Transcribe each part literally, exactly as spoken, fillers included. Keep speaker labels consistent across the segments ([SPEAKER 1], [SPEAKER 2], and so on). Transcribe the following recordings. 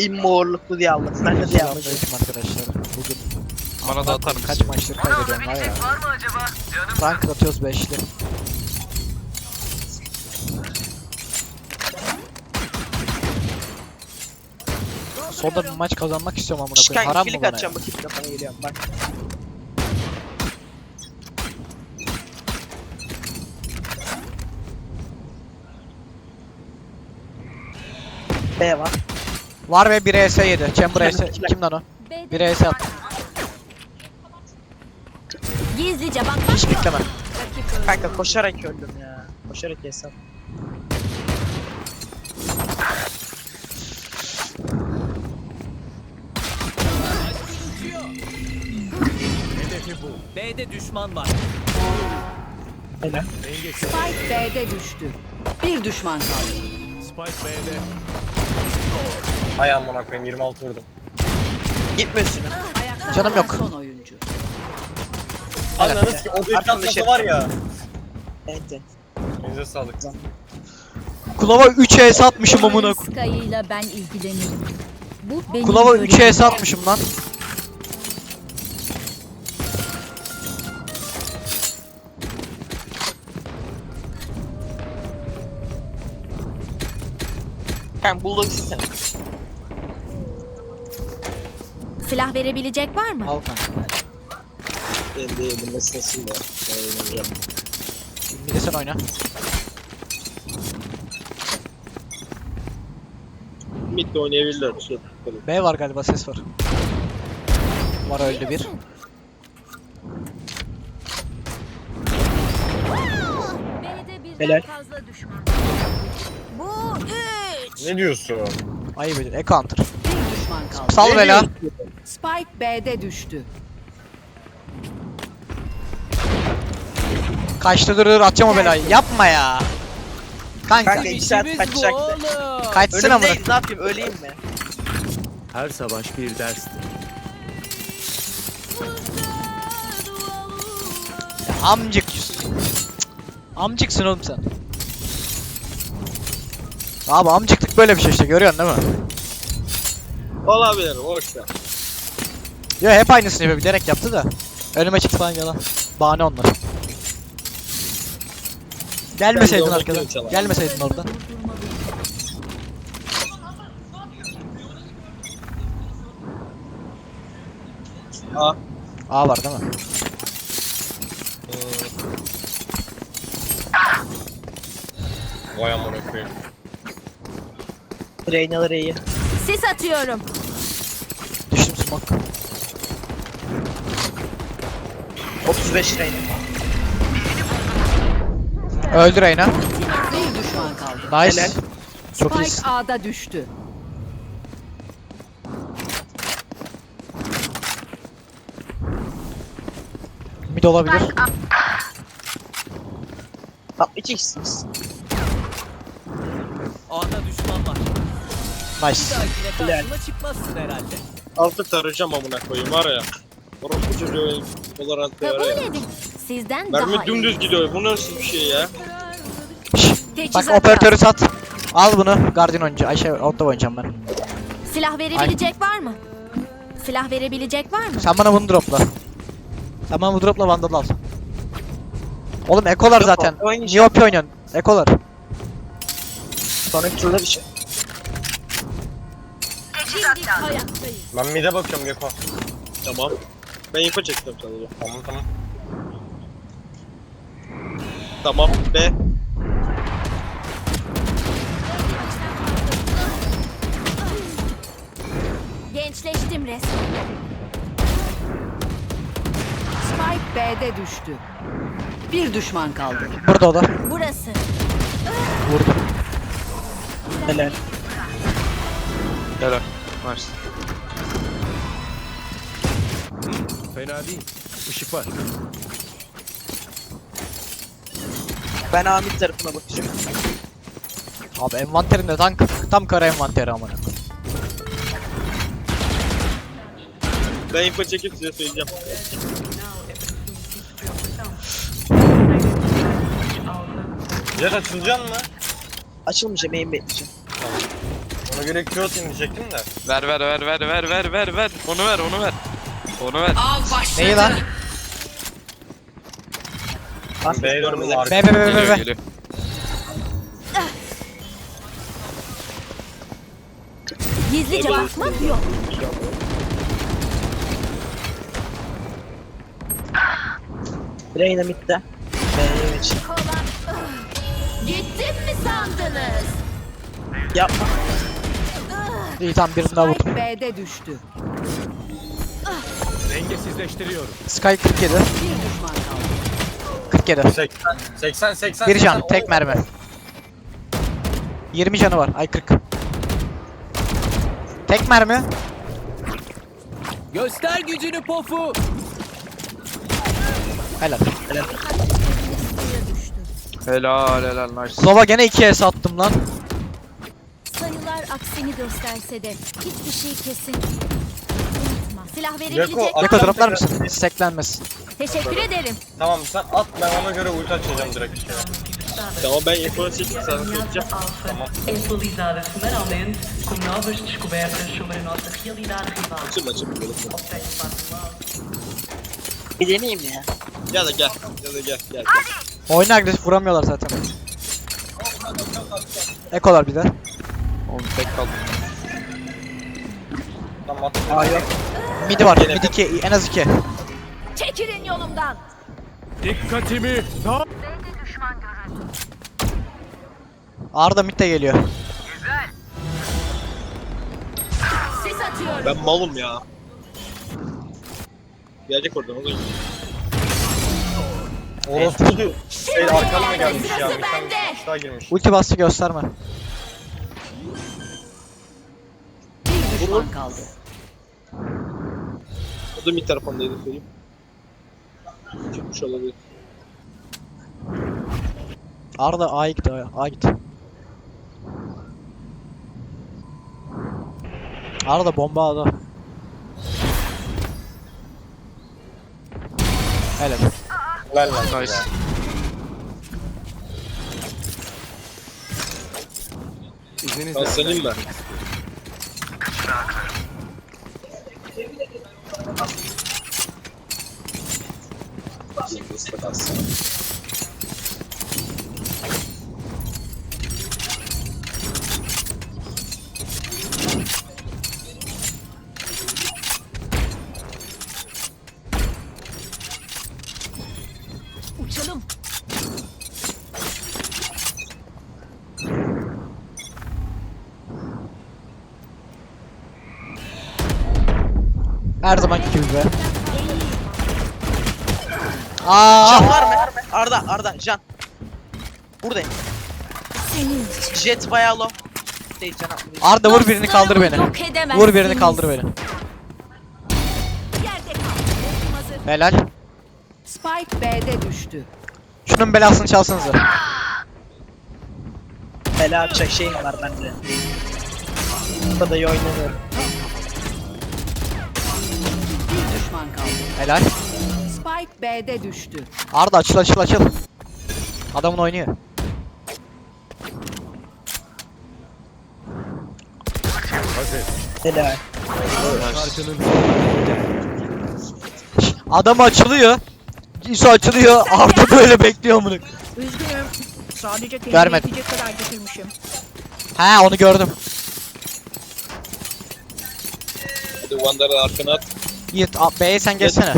[SPEAKER 1] İmmorluklu diye aldım. Ben de diye aldım.
[SPEAKER 2] Selamünaleyküm arkadaşlar. Bugün
[SPEAKER 3] Bana da atar
[SPEAKER 2] kaç
[SPEAKER 3] mısın?
[SPEAKER 2] maçtır kaybediyorum var ya. Rank atıyoruz beşli. Sonunda bir maç kazanmak istiyorum amına koyayım.
[SPEAKER 1] Kanka
[SPEAKER 2] Haram mı
[SPEAKER 1] kilik
[SPEAKER 2] bana
[SPEAKER 1] atacağım
[SPEAKER 2] ya?
[SPEAKER 1] bakayım kafana geliyorum bak. B var.
[SPEAKER 2] Var ve bir E S yedi. Chamber E S. Kim lan o? bir E S attı.
[SPEAKER 4] Gizlice bak.
[SPEAKER 2] Hiç bekleme.
[SPEAKER 1] Kanka koşarak öldüm ya. Koşarak hesap.
[SPEAKER 5] B'de düşman var.
[SPEAKER 1] Helal.
[SPEAKER 4] Spike B'de düştü. Bir düşman kaldı.
[SPEAKER 5] Spike B'de.
[SPEAKER 6] Hay amına koyayım yirmi altı vurdum.
[SPEAKER 1] Gitme üstüne.
[SPEAKER 4] Ayakta
[SPEAKER 2] Canım
[SPEAKER 4] kalan
[SPEAKER 2] yok.
[SPEAKER 4] Son oyuncu.
[SPEAKER 6] Anladınız ki o bir katması var ya.
[SPEAKER 1] Ente.
[SPEAKER 6] Elinize sağlık.
[SPEAKER 2] Kulava üç E S atmışım amına koyayım.
[SPEAKER 4] Sky'ıyla ben ilgilenirim. Bu benim
[SPEAKER 2] Kulava üç
[SPEAKER 4] görevim.
[SPEAKER 2] E S atmışım lan.
[SPEAKER 1] Kanka bulldog sistem.
[SPEAKER 4] Silah verebilecek var mı?
[SPEAKER 2] Al kanka.
[SPEAKER 1] Ben de yedim nasıl da.
[SPEAKER 2] Bir de sen oyna.
[SPEAKER 1] Mid de oynayabilirler. Şey.
[SPEAKER 2] B var galiba, ses var. Var, öldü bir.
[SPEAKER 4] B'de birden
[SPEAKER 1] Helal.
[SPEAKER 4] fazla düşman. Bu üç.
[SPEAKER 6] Ne diyorsun?
[SPEAKER 2] Ayıp edin. E counter.
[SPEAKER 4] Bir düşman kaldı.
[SPEAKER 2] Sal bela.
[SPEAKER 4] Spike B'de düştü.
[SPEAKER 2] Kaçtı, dur dur, atacağım o belayı. Yapma ya. Kanka.
[SPEAKER 1] Kanka iki saat kaçacaktı.
[SPEAKER 2] Kaçsın amına.
[SPEAKER 1] Ölüm değil, ne yapayım öleyim mi?
[SPEAKER 5] Her savaş bir dersti.
[SPEAKER 2] Ya amcık. Amcıksın oğlum sen. Abi amcıklık böyle bir şey işte, görüyorsun değil mi?
[SPEAKER 1] Olabilir boş ver.
[SPEAKER 2] Ya hep aynısını yapıyor, bilerek yaptı da. Önüme çıktı falan, yalan. Bahane onlar. Gelmeseydin
[SPEAKER 1] Ben de
[SPEAKER 2] arkadan.
[SPEAKER 1] onu çalarım.
[SPEAKER 2] Gelmeseydin oradan.
[SPEAKER 1] A.
[SPEAKER 2] A var değil mi?
[SPEAKER 6] Vay amına koyayım.
[SPEAKER 1] Reynaları iyi.
[SPEAKER 4] Sis atıyorum.
[SPEAKER 2] Düştüm smoke.
[SPEAKER 1] otuz beş reyna.
[SPEAKER 2] Öldü Reyna.
[SPEAKER 4] Bir düşman kaldı.
[SPEAKER 2] Nice.
[SPEAKER 1] Helal.
[SPEAKER 2] Çok
[SPEAKER 4] Spike
[SPEAKER 2] iyisin.
[SPEAKER 4] A'da düştü.
[SPEAKER 2] Mid olabilir.
[SPEAKER 1] Tam iki kişisiniz.
[SPEAKER 5] A'da düşman var.
[SPEAKER 2] Nice.
[SPEAKER 5] Belki
[SPEAKER 1] Helal.
[SPEAKER 5] karşıma çıkmazsın herhalde.
[SPEAKER 7] Altı tarayacağım amına koyayım var ya. Orospu çocuğu Valorant'ta var
[SPEAKER 4] Kabul
[SPEAKER 7] ya.
[SPEAKER 4] edin. Sizden daha
[SPEAKER 7] Mermi dümdüz
[SPEAKER 4] iyi.
[SPEAKER 7] gidiyor. Bu nasıl bir şey ya?
[SPEAKER 2] Şşş, Bak
[SPEAKER 4] Teçhizat
[SPEAKER 2] operatörü sat. Al bunu. Guardian oyuncu. Ayşe Outlaw oynayacağım ben.
[SPEAKER 4] Silah verebilecek var mı? Silah verebilecek var mı?
[SPEAKER 2] Sen bana bunu dropla. Sen bana bu dropla Vandal al. Oğlum ekolar
[SPEAKER 1] Yok,
[SPEAKER 2] zaten.
[SPEAKER 1] oynayacağım.
[SPEAKER 2] Niye O P oynuyorsun? Ekolar.
[SPEAKER 1] Sonraki turda bir şey.
[SPEAKER 6] Ben mid'e bakıyorum Geko.
[SPEAKER 7] Tamam. Ben info çektim sadece.
[SPEAKER 6] Tamam tamam.
[SPEAKER 7] Tamam. B.
[SPEAKER 4] Gençleştim resmen. Spike B'de düştü. Bir düşman kaldı.
[SPEAKER 2] Burada o da.
[SPEAKER 4] Burası.
[SPEAKER 2] Vurdu.
[SPEAKER 1] Helal.
[SPEAKER 3] Helal. Nice.
[SPEAKER 5] Fena değil. Işık var.
[SPEAKER 1] Ben Amir tarafına bakacağım.
[SPEAKER 2] Abi envanterinde tank. Tam kara envanteri amına.
[SPEAKER 7] Ben info çekip size söyleyeceğim.
[SPEAKER 6] Jet açılacaksın mı?
[SPEAKER 1] Açılmayacağım, main bekleyeceğim.
[SPEAKER 6] Ona Ona göre Q atayım diyecektim de.
[SPEAKER 3] Ver ver ver ver ver ver ver ver. Onu ver onu ver. Onu ver.
[SPEAKER 4] Av başladı.
[SPEAKER 2] Neyi lan?
[SPEAKER 1] Bas
[SPEAKER 6] B'ye
[SPEAKER 1] görmeler.
[SPEAKER 6] döndüm arka.
[SPEAKER 2] Be be be be
[SPEAKER 3] Geliyor
[SPEAKER 2] be.
[SPEAKER 3] geliyor.
[SPEAKER 8] Gizlice bakmak yok.
[SPEAKER 1] Reyna midde. B'ye geç.
[SPEAKER 8] Gittim mi sandınız?
[SPEAKER 1] Yapma.
[SPEAKER 2] İyi tamam birini daha vurdum.
[SPEAKER 4] Spike B'de düştü.
[SPEAKER 5] Dengesizleştiriyorum.
[SPEAKER 2] Sky kırk yedi.
[SPEAKER 4] Bir düşman kaldı.
[SPEAKER 2] kırk yedi.
[SPEAKER 6] seksen seksen seksen.
[SPEAKER 2] Bir can
[SPEAKER 6] seksen.
[SPEAKER 2] tek mermi. yirmi canı var. Ay kırk. Tek mermi.
[SPEAKER 5] Göster gücünü pofu.
[SPEAKER 2] Helal.
[SPEAKER 3] Helal helal nice.
[SPEAKER 2] Slova gene iki S attım lan.
[SPEAKER 8] Sayılar aksini gösterse de hiçbir şey kesin. Unutma. Silah verebilecek.
[SPEAKER 6] Yako,
[SPEAKER 2] Yako
[SPEAKER 6] Atacağım
[SPEAKER 2] droplar
[SPEAKER 6] tekrar.
[SPEAKER 2] mısın? Steklenmesin.
[SPEAKER 8] Teşekkür ederim.
[SPEAKER 6] Tamam sen at ben ona göre ulti açacağım direkt işte.
[SPEAKER 7] Tamam ben info çekip sana söyleyeceğim.
[SPEAKER 9] Atualizada semanalmente com novas descobertas sobre a nossa realidade rival.
[SPEAKER 7] Açım açım.
[SPEAKER 9] Obtenha fácil.
[SPEAKER 1] Bir deneyeyim ya.
[SPEAKER 7] Ya da gel. Ya da gel gel.
[SPEAKER 2] Oyuna agresif vuramıyorlar zaten. Ekolar bir de.
[SPEAKER 3] Oğlum tek kaldım.
[SPEAKER 6] Tamam at.
[SPEAKER 1] Aa yok.
[SPEAKER 2] Midi var. Mid iki. En az iki.
[SPEAKER 8] Çekilin yolumdan.
[SPEAKER 5] Dikkatimi. Ta
[SPEAKER 2] Arda mid de geliyor.
[SPEAKER 8] Sis atıyorum.
[SPEAKER 7] Ben malım ya. Gelecek oradan oğlum.
[SPEAKER 6] Orospu diyor. Şey arkamda mı gelmiş ya?
[SPEAKER 8] Sırası
[SPEAKER 6] Bir tane
[SPEAKER 8] bende.
[SPEAKER 6] bir daha girmiş.
[SPEAKER 2] Ulti bastı gösterme.
[SPEAKER 4] Bir düşman kaldı.
[SPEAKER 7] O da mid tarafındaydı söyleyeyim. Çıkmış olabilir.
[SPEAKER 2] Arda A'ya git A'ya. A'ya git. Arda bomba A'da. Helal.
[SPEAKER 6] Ver lan.
[SPEAKER 3] Nice.
[SPEAKER 5] İzninizle.
[SPEAKER 7] Ben senin mi?
[SPEAKER 8] Uçalım.
[SPEAKER 2] Her zamanki gibi be. Aa!
[SPEAKER 1] Can var mı? Arda Arda can. Buradayım.
[SPEAKER 8] Senin için.
[SPEAKER 1] Jet bayağı low. Değil can atmayı.
[SPEAKER 2] Arda vur birini kaldır beni.
[SPEAKER 8] Yok edemezsiniz.
[SPEAKER 2] Vur birini kaldır beni.
[SPEAKER 8] Yerde kal. Ultim hazır.
[SPEAKER 2] Helal.
[SPEAKER 4] Spike B'de düştü.
[SPEAKER 2] Şunun belasını çalsanıza.
[SPEAKER 1] Bela yapacak şeyim var bende. Bu kadar iyi oynamıyorum.
[SPEAKER 4] Bir düşman kaldı.
[SPEAKER 2] Helal.
[SPEAKER 4] Spike B'de düştü.
[SPEAKER 2] Arda açıl açıl açıl. Adamın oynuyor.
[SPEAKER 5] Hazır.
[SPEAKER 1] Helal.
[SPEAKER 5] Şarkının
[SPEAKER 2] Şş, Adam açılıyor. İso açılıyor. Arda böyle bekliyor bunu.
[SPEAKER 8] Üzgünüm. Sadece kendime
[SPEAKER 2] Vermedim.
[SPEAKER 8] yetecek kadar getirmişim.
[SPEAKER 2] He onu gördüm.
[SPEAKER 7] Hadi Wander'ı arkana at.
[SPEAKER 2] Yiğit a- B'ye sen geçsene.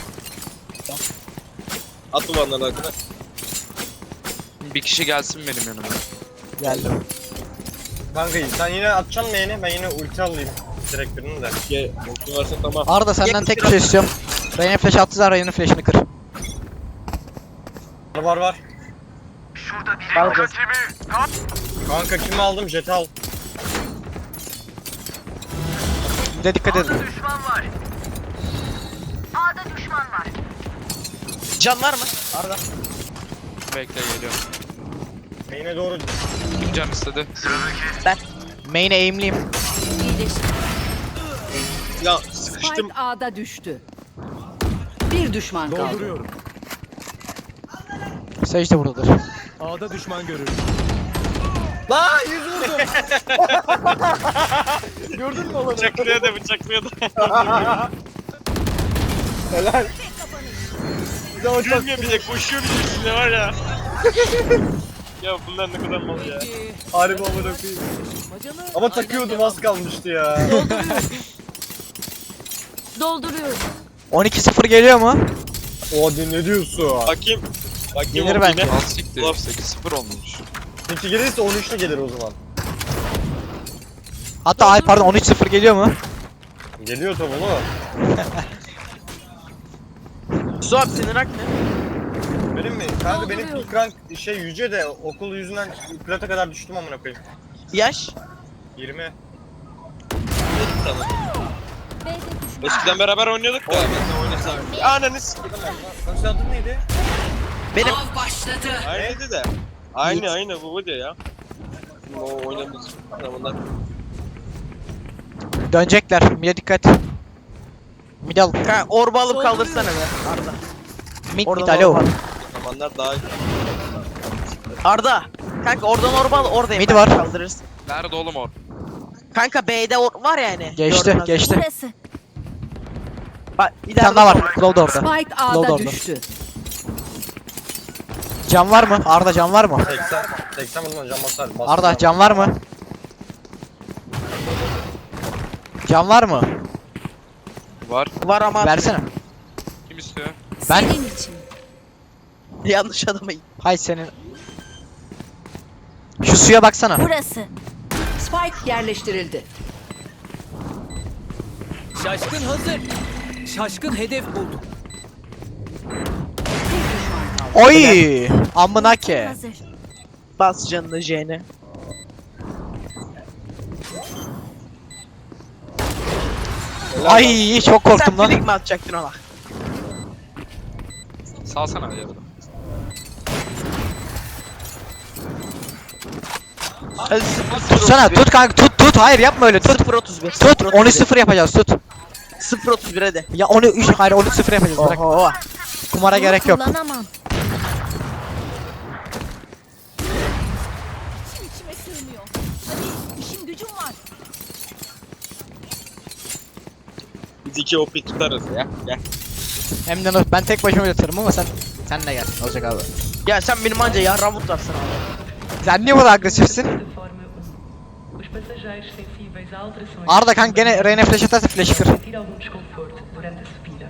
[SPEAKER 7] At bu Wander'ı arkana.
[SPEAKER 3] Bir kişi gelsin benim yanıma.
[SPEAKER 2] Geldim.
[SPEAKER 6] Kanka sen yine atacaksın mı yeni? Ben yine ulti alayım. Direkt birini de.
[SPEAKER 7] Gel. Ultin varsa tamam.
[SPEAKER 2] Arda senden tek bir şey istiyorum. Reyna flash attı zaten Reyna'nın flash'ını kır.
[SPEAKER 6] Var var var.
[SPEAKER 1] Arda.
[SPEAKER 6] Kanka kimi aldım? Jet'i al.
[SPEAKER 2] Bir de dikkat edin.
[SPEAKER 1] Can var mı? Arda.
[SPEAKER 3] Bekle geliyorum.
[SPEAKER 6] Main'e doğru.
[SPEAKER 3] Kim can istedi?
[SPEAKER 2] Main'e aimliyim.
[SPEAKER 8] İyileştim.
[SPEAKER 7] Ya sıkıştım.
[SPEAKER 4] Spike A'da düştü. Bir düşman kaldı.
[SPEAKER 6] Lan yüz vurdum. Gördün mü olanı?
[SPEAKER 3] Bıçaklıyor da bıçaklıyor da.
[SPEAKER 6] Helal. Bir de o çok
[SPEAKER 3] Gülmüyor bir de koşuyor bir de üstüne var ya. Ya bunlar ne kadar mal ya.
[SPEAKER 6] harbi amına koyayım. Ama takıyordum az kalmıştı ya.
[SPEAKER 8] Dolduruyorum.
[SPEAKER 2] on iki sıfır geliyor mu?
[SPEAKER 6] O ne diyorsun?
[SPEAKER 3] Bakayım. Bakayım
[SPEAKER 2] Gelir
[SPEAKER 3] o
[SPEAKER 2] bence.
[SPEAKER 3] yine.
[SPEAKER 10] Al siktir. sekiz sıfır olmuş.
[SPEAKER 6] İki gelirse on üçlü gelir o zaman.
[SPEAKER 2] Hatta ay pardon on üç sıfır geliyor mu?
[SPEAKER 6] Geliyor tabi oğlum.
[SPEAKER 1] Suat senin rank ne?
[SPEAKER 6] Benim mi? Kanka benim ilk rank şey yüce de okul yüzünden plata kadar düştüm amına koyayım.
[SPEAKER 1] Yaş?
[SPEAKER 6] yirmi.
[SPEAKER 3] Tamam.
[SPEAKER 8] B'de düşman.
[SPEAKER 3] Eskiden beraber oynuyorduk da. Ben de oynasam. Ananı s***.
[SPEAKER 6] Kanka senin adın neydi?
[SPEAKER 1] Benim.
[SPEAKER 4] Av başladı.
[SPEAKER 3] Aynıydı da. Aynı aynı bu bu diyor ya. O oynamıyoruz. Bunlar.
[SPEAKER 2] Dönecekler. Mide dikkat. Mid al.
[SPEAKER 1] Kanka orba alıp kaldırsana be Arda.
[SPEAKER 2] Mid
[SPEAKER 1] Oradan
[SPEAKER 2] mid alo.
[SPEAKER 1] orba.
[SPEAKER 3] Zamanlar daha iyi.
[SPEAKER 1] Arda. Kanka oradan orba al oradayım.
[SPEAKER 2] Mid
[SPEAKER 1] ben,
[SPEAKER 2] var.
[SPEAKER 1] Kaldırırsın.
[SPEAKER 3] Nerede oğlum o?
[SPEAKER 1] Kanka B'de or var yani.
[SPEAKER 2] Geçti
[SPEAKER 1] Gördün az
[SPEAKER 2] geçti.
[SPEAKER 8] Burası.
[SPEAKER 1] Bak
[SPEAKER 2] Bir tane daha var. Claw da orada.
[SPEAKER 4] Spike
[SPEAKER 2] Load
[SPEAKER 4] A'da
[SPEAKER 2] orada.
[SPEAKER 4] düştü.
[SPEAKER 2] Can var mı? Arda can var mı?
[SPEAKER 6] seksen. seksen vurdum can basar. Bastım
[SPEAKER 2] Arda can var mı? Can var mı?
[SPEAKER 3] Var.
[SPEAKER 1] Var ama
[SPEAKER 2] Versene.
[SPEAKER 3] Kim istiyor?
[SPEAKER 2] Ben-
[SPEAKER 8] Senin için.
[SPEAKER 1] yanlış adama gitti.
[SPEAKER 2] Hay senin. Şu suya baksana.
[SPEAKER 8] Burası.
[SPEAKER 4] Spike yerleştirildi.
[SPEAKER 5] Şaşkın hazır. Şaşkın hedef buldu.
[SPEAKER 2] Oy! Amına ke.
[SPEAKER 8] Hazır.
[SPEAKER 1] Bas canını J'ne.
[SPEAKER 2] Ay çok korktum
[SPEAKER 1] Sen
[SPEAKER 2] lan.
[SPEAKER 1] flick mi atacaktın ona?
[SPEAKER 3] Salsana ya.
[SPEAKER 1] Hadi sıfır
[SPEAKER 2] Tutsana tut kanka tut tut hayır yapma öyle tut.
[SPEAKER 1] sıfır otuz bir.
[SPEAKER 2] Tut on üç sıfır yapacağız tut.
[SPEAKER 1] sıfır otuz bir hadi.
[SPEAKER 2] Ya onu üç hayır on üç sıfır yapacağız bırak.
[SPEAKER 1] Oho.
[SPEAKER 2] Kumara gerek yok.
[SPEAKER 8] Kullanamam. İçim içime sığmıyor. Hadi işim gücüm var.
[SPEAKER 3] Biz iki O P tutarız ya. Gel.
[SPEAKER 2] Hem de ben tek başıma yatarım ama sen sen de gel olacak abi.
[SPEAKER 1] Ya sen benim anca yarram mutlarsın abi.
[SPEAKER 2] Sen niye bu kadar agresifsin?
[SPEAKER 9] De forma um. Os passageiros sensíveis a alterações.
[SPEAKER 2] Arda kanka gene Reyna flash atarsa flash kır.
[SPEAKER 9] sentir algum desconforto durante a subida.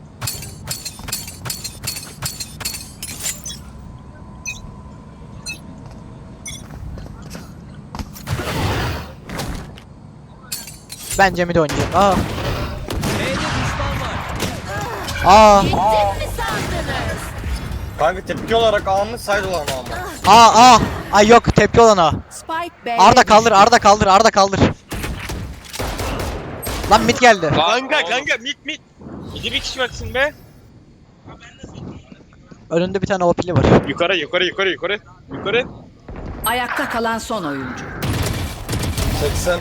[SPEAKER 2] Bence mid oynayacak. Aa. Aa.
[SPEAKER 8] Gittim mi sandınız?
[SPEAKER 6] Kanka tepki olarak A mı side olan A mı?
[SPEAKER 2] Aa aa. Ay yok tepki olan o.
[SPEAKER 4] Spike B'de
[SPEAKER 2] Arda kaldır
[SPEAKER 4] düştü.
[SPEAKER 2] Arda kaldır Arda kaldır. Lan mid geldi.
[SPEAKER 3] Kanka kanka mit mit. İki bir kişi baksın be.
[SPEAKER 2] Önünde bir tane O P'li var.
[SPEAKER 3] Yukarı yukarı yukarı yukarı. Yukarı.
[SPEAKER 4] Ayakta kalan son oyuncu.
[SPEAKER 6] seksen.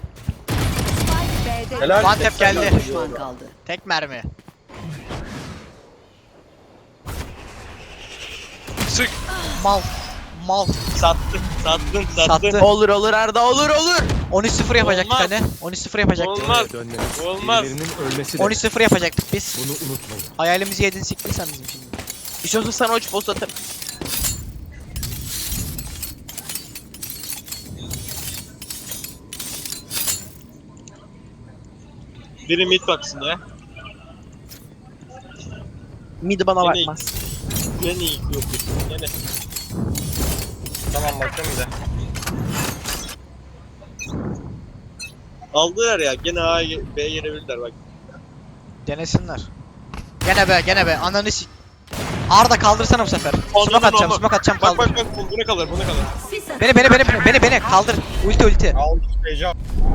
[SPEAKER 4] Spike B'de
[SPEAKER 6] Helal.
[SPEAKER 2] Mantep
[SPEAKER 6] seksen
[SPEAKER 2] geldi.
[SPEAKER 6] dört.
[SPEAKER 4] düşman kaldı.
[SPEAKER 2] Tek mermi.
[SPEAKER 3] Sık.
[SPEAKER 2] Mal. Mal.
[SPEAKER 3] Sattın sattın sattın.
[SPEAKER 2] Sattı.
[SPEAKER 1] Olur olur Arda olur olur.
[SPEAKER 2] on üç sıfır yapacaktık
[SPEAKER 3] Olmaz.
[SPEAKER 2] hani. on üç sıfır yapacaktık.
[SPEAKER 3] Olmaz.
[SPEAKER 5] Dönmeniz.
[SPEAKER 3] Olmaz.
[SPEAKER 5] Birilerinin ölmesi de.
[SPEAKER 2] on üç sıfır yapacaktık biz.
[SPEAKER 5] Bunu unutmayın.
[SPEAKER 2] Hayalimizi yedin siktin sen bizim şimdi.
[SPEAKER 1] İstiyorsan sana uç post atarım.
[SPEAKER 3] Biri mid baksın ya.
[SPEAKER 1] Mid bana
[SPEAKER 3] Yine-
[SPEAKER 1] bakmaz.
[SPEAKER 3] Yine iyi yok. Yine.
[SPEAKER 6] Tamam bakıyorum bir de.
[SPEAKER 3] Aldılar ya gene A B'ye girebilirler bak.
[SPEAKER 2] Denesinler. Gene be gene be ananı sik. Arda kaldırsana bu sefer.
[SPEAKER 3] Anladım,
[SPEAKER 2] Smoke atacağım
[SPEAKER 3] anladım.
[SPEAKER 2] smoke atacağım
[SPEAKER 3] Bak
[SPEAKER 2] kaldır.
[SPEAKER 3] bak bak bu- buna kalır buna kalır.
[SPEAKER 8] Sis atın.
[SPEAKER 2] Beni beni beni beni beni beni kaldır. Ulti ulti.
[SPEAKER 6] Al heyecan.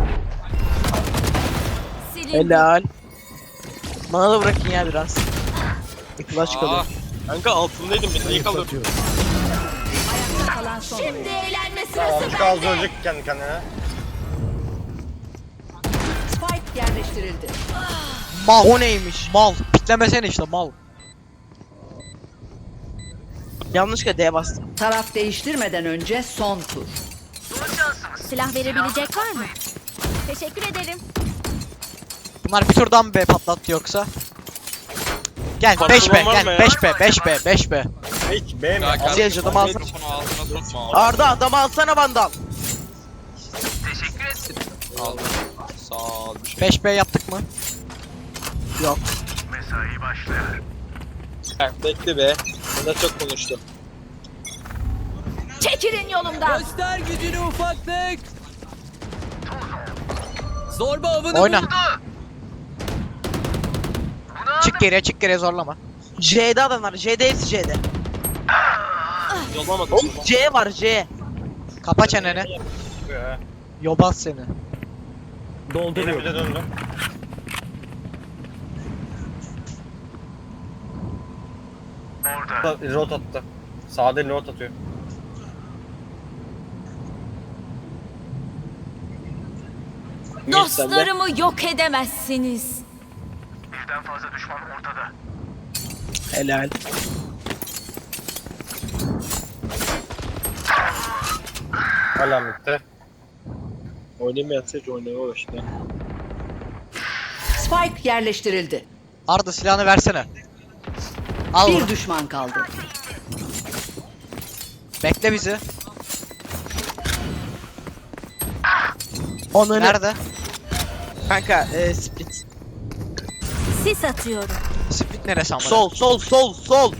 [SPEAKER 8] Silin.
[SPEAKER 1] Helal. Bana da bırakın ya biraz. Bir flash
[SPEAKER 3] Aa,
[SPEAKER 1] kalıyor.
[SPEAKER 3] kanka altındaydım beni niye kalır?
[SPEAKER 5] Satıyorum.
[SPEAKER 4] Ayakta kalan son
[SPEAKER 8] Şimdi
[SPEAKER 4] oyuncu.
[SPEAKER 8] eğlenme
[SPEAKER 6] Tamam
[SPEAKER 8] sırası
[SPEAKER 6] şu az
[SPEAKER 8] bende.
[SPEAKER 6] ölecek kendi kendine.
[SPEAKER 4] Spike yerleştirildi.
[SPEAKER 2] Mal.
[SPEAKER 1] O neymiş?
[SPEAKER 2] Mal. Piklemesene işte mal.
[SPEAKER 1] Yanlışlıkla D'ye bastım.
[SPEAKER 4] Taraf değiştirmeden önce son tur.
[SPEAKER 8] Silah verebilecek var mı? Teşekkür ederim.
[SPEAKER 2] Bunlar bir turdan mı B patlattı yoksa? Gel
[SPEAKER 3] Patlaman
[SPEAKER 2] beş B
[SPEAKER 3] var mı
[SPEAKER 2] gel
[SPEAKER 3] ya?
[SPEAKER 2] beş B beş B beş B.
[SPEAKER 6] Hiç B mi?
[SPEAKER 10] Ya
[SPEAKER 6] Al-
[SPEAKER 10] kardeşim
[SPEAKER 1] adamı alsana.
[SPEAKER 10] mikrofonu ağzına tutma.
[SPEAKER 1] Arda adamı alsana Vandal.
[SPEAKER 10] Aldım. Sağ ol bir şey.
[SPEAKER 2] beş B yaptık mı?
[SPEAKER 7] Heh, bekle be. Bunda çok konuştum.
[SPEAKER 8] Çekilin yolumdan.
[SPEAKER 5] Göster gücünü ufaklık. Zorba avını
[SPEAKER 2] Oyna.
[SPEAKER 5] buldu.
[SPEAKER 2] Çık geriye çık geriye zorlama.
[SPEAKER 1] C'de adamlar. C'de hepsi C'de.
[SPEAKER 7] Yollamadım.
[SPEAKER 1] Oğlum C var C.
[SPEAKER 2] Kapa çeneni.
[SPEAKER 6] Ya.
[SPEAKER 2] Yobaz seni.
[SPEAKER 6] Yine bir de döndüm. Orada. Rot attı. Sağda rot atıyor.
[SPEAKER 8] Dostlarımı yok edemezsiniz.
[SPEAKER 1] Helal.
[SPEAKER 6] Hala bitti.
[SPEAKER 7] Oynamayan seç oynamaya başladı.
[SPEAKER 4] Spike yerleştirildi.
[SPEAKER 2] Arda silahını versene. Al
[SPEAKER 4] Bir
[SPEAKER 2] bunu.
[SPEAKER 4] düşman kaldı.
[SPEAKER 2] Bekle bizi.
[SPEAKER 1] Onu
[SPEAKER 2] Nerede?
[SPEAKER 1] Kanka e, split.
[SPEAKER 8] Sis atıyorum.
[SPEAKER 2] Split neresi amına?
[SPEAKER 1] Sol sol sol sol.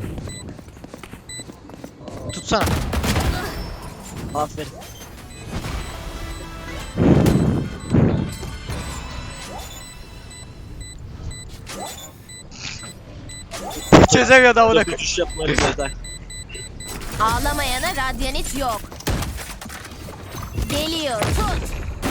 [SPEAKER 2] Tutsana.
[SPEAKER 1] Aferin.
[SPEAKER 2] Çözemiyor da amına.
[SPEAKER 7] Uçuş yapmayı zaten.
[SPEAKER 8] Ağlamayana radyanit yok. Geliyor. Tut.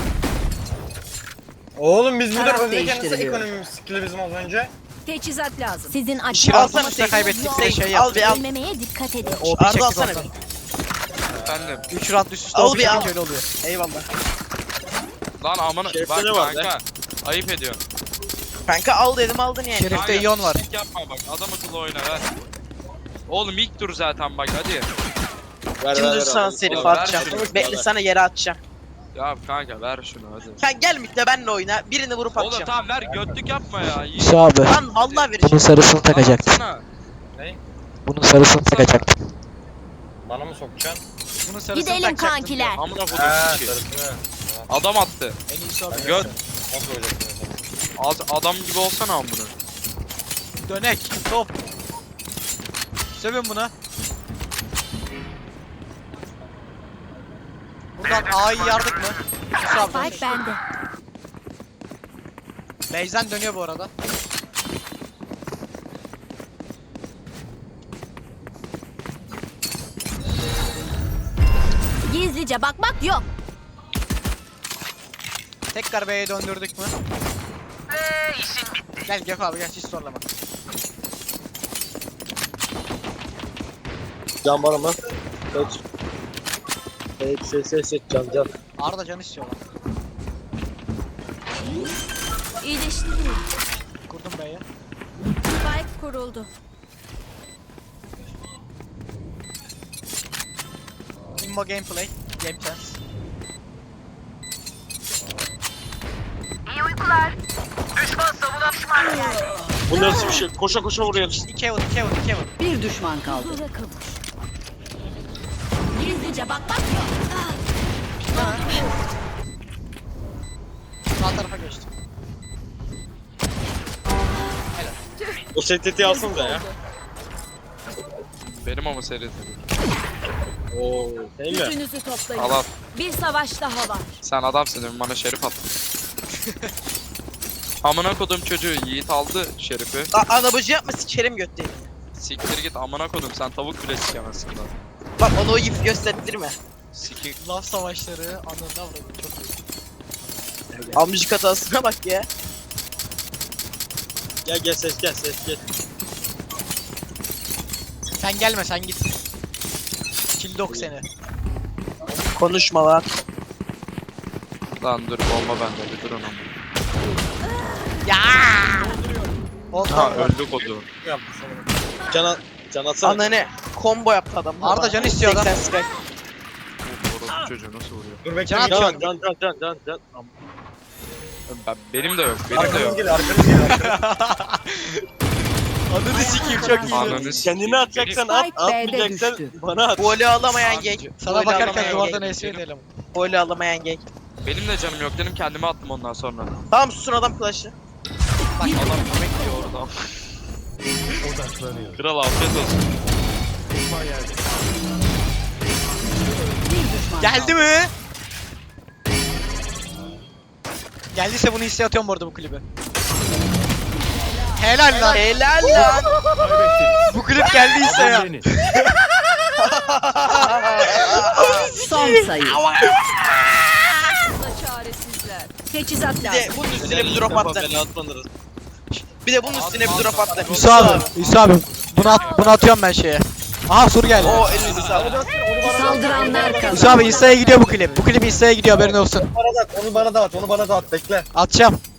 [SPEAKER 6] Oğlum biz burada
[SPEAKER 4] Taraf
[SPEAKER 6] öndeyken nasıl
[SPEAKER 4] değiştiriliyor.
[SPEAKER 6] ekonomimiz skill'i bizim az önce?
[SPEAKER 4] Teçhizat lazım.
[SPEAKER 8] Sizin
[SPEAKER 2] İşi
[SPEAKER 1] Alsana
[SPEAKER 8] acımasınız
[SPEAKER 2] alsana kaybettik
[SPEAKER 8] yok.
[SPEAKER 2] de şey
[SPEAKER 1] Al
[SPEAKER 2] yaptık.
[SPEAKER 1] bir al.
[SPEAKER 8] Ölmemeye dikkat edin.
[SPEAKER 2] O bir
[SPEAKER 1] Arda
[SPEAKER 2] çektik
[SPEAKER 1] alsana
[SPEAKER 2] oradan.
[SPEAKER 10] Efendim.
[SPEAKER 2] üç round üst üste
[SPEAKER 1] Al
[SPEAKER 2] o
[SPEAKER 1] bir
[SPEAKER 2] bir
[SPEAKER 1] al.
[SPEAKER 2] öyle oluyor.
[SPEAKER 1] Eyvallah.
[SPEAKER 10] Lan amına
[SPEAKER 7] Şerifte
[SPEAKER 10] bak
[SPEAKER 7] ne var
[SPEAKER 10] kanka. Ayıp ediyorsun.
[SPEAKER 1] Kanka al dedim aldın yani.
[SPEAKER 2] Şerif'te
[SPEAKER 10] Kanka,
[SPEAKER 2] iyon var.
[SPEAKER 10] pislik yapma bak. Adam akıllı oyna ver. Oğlum ilk tur zaten bak hadi.
[SPEAKER 7] Ver
[SPEAKER 1] Şimdi
[SPEAKER 7] ver ver.
[SPEAKER 1] sana
[SPEAKER 7] al.
[SPEAKER 1] serif
[SPEAKER 10] Oğlum, ver
[SPEAKER 1] atacağım.
[SPEAKER 10] şunu.
[SPEAKER 1] Bekle sana yere atacağım.
[SPEAKER 10] Ya kanka ver şunu hadi.
[SPEAKER 1] Sen gel midle benle oyna. Birini vurup
[SPEAKER 10] Oğlum
[SPEAKER 1] atacağım.
[SPEAKER 10] tamam ver götlük yapma ya. İyi.
[SPEAKER 2] Hüsnü abi.
[SPEAKER 1] Lan vallahi vereceğim.
[SPEAKER 2] sarısını
[SPEAKER 10] Atsana.
[SPEAKER 2] Bunun sarısını takacaktım.
[SPEAKER 6] Bana mı sokacaksın?
[SPEAKER 2] Bunun sarısını
[SPEAKER 8] Gidelim
[SPEAKER 2] takacaktım.
[SPEAKER 8] kankiler.
[SPEAKER 10] Amına kodum
[SPEAKER 6] Heee
[SPEAKER 10] ki.
[SPEAKER 6] sarısını.
[SPEAKER 10] Adam attı.
[SPEAKER 2] En iyisi o.
[SPEAKER 10] Göt.
[SPEAKER 6] Nasıl olacaksın mesela?
[SPEAKER 10] Az adam gibi olsana amına.
[SPEAKER 2] Dönek. Top. Sövün buna. Buradan A'yı yardık mı? Hüsnü abi.
[SPEAKER 8] Spike bende.
[SPEAKER 2] Beyzen dönüyor bu arada.
[SPEAKER 8] Gizlice bakmak yok.
[SPEAKER 2] Tekrar B'ye döndürdük mü? Gel Gökhan abi gel hiç zorlama.
[SPEAKER 7] Can var mı? Seç. Seç seç seç seç can can.
[SPEAKER 2] Arda can istiyor lan.
[SPEAKER 8] İyileştiriyorum.
[SPEAKER 2] Kurdum B'ye.
[SPEAKER 8] Spike kuruldu.
[SPEAKER 2] Immo gameplay. Game chance.
[SPEAKER 7] Bu nasıl bir şey? Koşa koşa vuruyoruz.
[SPEAKER 2] İki Evan, iki Evan, iki Evan.
[SPEAKER 4] Bir düşman kaldı.
[SPEAKER 8] Huzura kavuş. Gizlice bakmak yok.
[SPEAKER 2] Sağ tarafa geçti.
[SPEAKER 7] O S T T'yi alsın da ya.
[SPEAKER 10] Benim ama seri.
[SPEAKER 7] Oo, değil mi?
[SPEAKER 8] Gücünüzü toplayın.
[SPEAKER 10] Al al.
[SPEAKER 8] Bir savaş daha var.
[SPEAKER 10] Sen adamsın demin bana şerif attın. Amına kodum çocuğu Yiğit aldı şerifi.
[SPEAKER 1] A anabacı yapma sikerim götleyi.
[SPEAKER 10] Siktir git amına kodum sen tavuk bile sikemezsin lan.
[SPEAKER 1] Bak onu o yif gösterdirme.
[SPEAKER 10] Sikir.
[SPEAKER 2] Laf savaşları anında vurdu çok iyi.
[SPEAKER 1] Amcık hatasına bak ya.
[SPEAKER 7] Gel gel ses gel ses gel.
[SPEAKER 2] Sen gelme sen git. Kildok seni.
[SPEAKER 1] Konuşma lan.
[SPEAKER 10] Lan dur bomba bende bir dur onu.
[SPEAKER 2] Oldu.
[SPEAKER 10] Ha öldü kodu.
[SPEAKER 6] Yapmış onu.
[SPEAKER 7] Can al. Can atsana.
[SPEAKER 1] Ananı combo yaptı adam.
[SPEAKER 2] Arda can istiyor lan.
[SPEAKER 1] seksen Sky.
[SPEAKER 10] Orospu çocuğu nasıl vuruyor?
[SPEAKER 6] Dur bekle.
[SPEAKER 2] Can,
[SPEAKER 6] Can,
[SPEAKER 3] Can can can can can can.
[SPEAKER 10] Ben, benim de yok, benim de
[SPEAKER 6] Arkanız
[SPEAKER 10] yok.
[SPEAKER 6] geliyor, arkanız geliyor. arkanız.
[SPEAKER 2] Ananı sikeyim çok iyi.
[SPEAKER 10] Ananı sikeyim.
[SPEAKER 3] Kendini atacaksan at,
[SPEAKER 4] Spike B'de
[SPEAKER 3] atmayacaksan
[SPEAKER 4] düştü.
[SPEAKER 3] bana at.
[SPEAKER 1] Golü alamayan genk.
[SPEAKER 2] Sana
[SPEAKER 1] Golü
[SPEAKER 2] bakarken
[SPEAKER 1] alamayan
[SPEAKER 2] duvardan
[SPEAKER 1] genk.
[SPEAKER 2] esiyor diyelim.
[SPEAKER 1] Golü alamayan genk.
[SPEAKER 10] Benim de canım yok dedim, kendime attım ondan sonra.
[SPEAKER 1] Tamam susun adam flash'ı.
[SPEAKER 10] Adam yemek yiyor orada. Kral afiyet olsun.
[SPEAKER 4] Bir düşman
[SPEAKER 2] Geldi
[SPEAKER 4] kaldı.
[SPEAKER 2] mi? Geldiyse bunu hisseye atıyorum bu arada bu klibi. Helal lan.
[SPEAKER 1] Helal lan.
[SPEAKER 2] Bu klip geldiyse ya.
[SPEAKER 4] Son sayı.
[SPEAKER 8] Çaresizler.
[SPEAKER 4] Teçhizat
[SPEAKER 1] Bir de
[SPEAKER 4] lazım.
[SPEAKER 1] bunun üstüne bir drop attı.
[SPEAKER 3] Bela atmanırız.
[SPEAKER 1] Bir de bunun üstüne bir drop attı.
[SPEAKER 2] İsa abi, İsa abi. Bunu, at, bunu atıyorum ben şeye. Aha sur geldi.
[SPEAKER 1] O elinizi sağlık.
[SPEAKER 4] Saldıranlar
[SPEAKER 2] İsa
[SPEAKER 4] kazandı.
[SPEAKER 2] abi İsa'ya gidiyor bu klip. Bu klip İsa'ya gidiyor haberin olsun.
[SPEAKER 6] Bana da at, onu bana da at, onu bana da at. Bekle.
[SPEAKER 2] Atacağım.